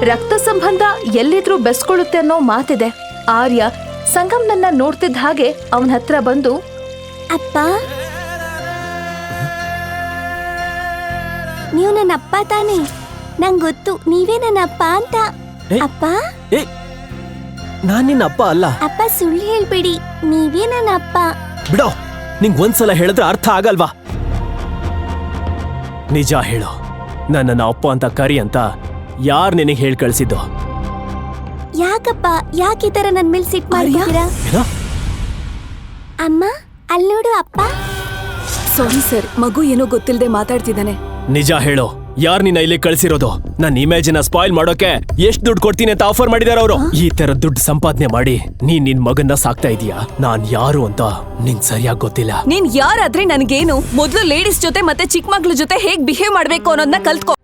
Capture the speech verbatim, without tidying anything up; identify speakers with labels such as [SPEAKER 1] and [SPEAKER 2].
[SPEAKER 1] ರಕ್ತ ಸಂಬಂಧ ಎಲ್ಲಿದ್ರೂ ಬೆಸ್ಕೊಳ್ಳುತ್ತೆ ಅನ್ನೋ ಮಾತಿದೆ. ಆರ್ಯ ಸಂಗಮ್ನನ್ನ ನೋಡ್ತಿದ್ದ ಹಾಗೆ ಅವನ ಹತ್ರ ಬಂದು,
[SPEAKER 2] ಅಪ್ಪ, ನೀವು ನನ್ನ ಅಪ್ಪ ತಾನೇ? ನಂಗೆ ಗೊತ್ತು ನೀವೇ ನನ್ನ ಅಪ್ಪ ಅಂತ. ಅಪ್ಪ,
[SPEAKER 3] ನಾನ್ ನಿನ್ನ ಅಪ್ಪ ಅಲ್ಲ.
[SPEAKER 2] ಅಪ್ಪ ಸುಳ್ಳು ಹೇಳ್ಬೇಡಿ, ನೀವೇ ನನ್ನ ಅಪ್ಪ.
[SPEAKER 3] ಬಿಡೋ, ನಿಂಗ್ ಒಂದ್ಸಲ ಹೇಳಿದ್ರೆ ಅರ್ಥ ಆಗಲ್ವಾ? ನಿಜ ಹೇಳು, ನನ್ನನ್ನ ಅಪ್ಪ ಅಂತ ಕರಿ ಅಂತ ಯಾರ್ ನಿನಗೆ ಹೇಳಿ ಕಳ್ಸಿದ್ದು?
[SPEAKER 2] ಯಾಕಪ್ಪ, ಯಾಕೆ ಈ ತರ ನನ್ ಮೇಲೆ ಸಿಟ್ ಮಾಡ್ತೀರಾ? ಅಮ್ಮ, ಅಲ್ಲಿ ನೋಡು ಅಪ್ಪ.
[SPEAKER 1] ಸಾರಿ ಸರ್, ಮಗು ಏನೋ ಗೊತ್ತಿಲ್ಲದೆ ಮಾತಾಡ್ತಿದ್ದಾನೆ.
[SPEAKER 3] ನಿಜ ಹೇಳು, ಯಾರ್ ನಿನ್ನ ಇಲ್ಲಿ ಕಳ್ಸಿರೋದು? ನನ್ನ ಇಮೇಜಿನ ಸ್ಪಾಯ್ಲ್ ಮಾಡೋಕೆ ಎಷ್ಟ್ ದುಡ್ಡು ಕೊಡ್ತೀನಿ ಅಂತ ಆಫರ್ ಮಾಡಿದಾರ ಅವರು. ಈ ತರ ದುಡ್ಡು ಸಂಪಾದನೆ ಮಾಡಿ ನೀನ್ ನಿನ್ ಮಗನ್ನ ಸಾಕ್ತಾ ಇದೀಯಾ. ನಾನ್ ಯಾರು ಅಂತ ನಿನ್ ಸರಿಯಾಗಿ ಗೊತ್ತಿಲ್ಲ.
[SPEAKER 1] ನೀನ್ ಯಾರಾದ್ರೆ ನನ್ಗೇನು? ಮೊದ್ಲು ಲೇಡೀಸ್ ಜೊತೆ ಮತ್ತೆ ಚಿಕ್ಕ ಮಕ್ಳ ಜೊತೆ ಹೇಗ್ ಬಿಹೇವ್ ಮಾಡ್ಬೇಕು ಅನ್ನೋದನ್ನ ಕಲ್ತ್ಕೋ.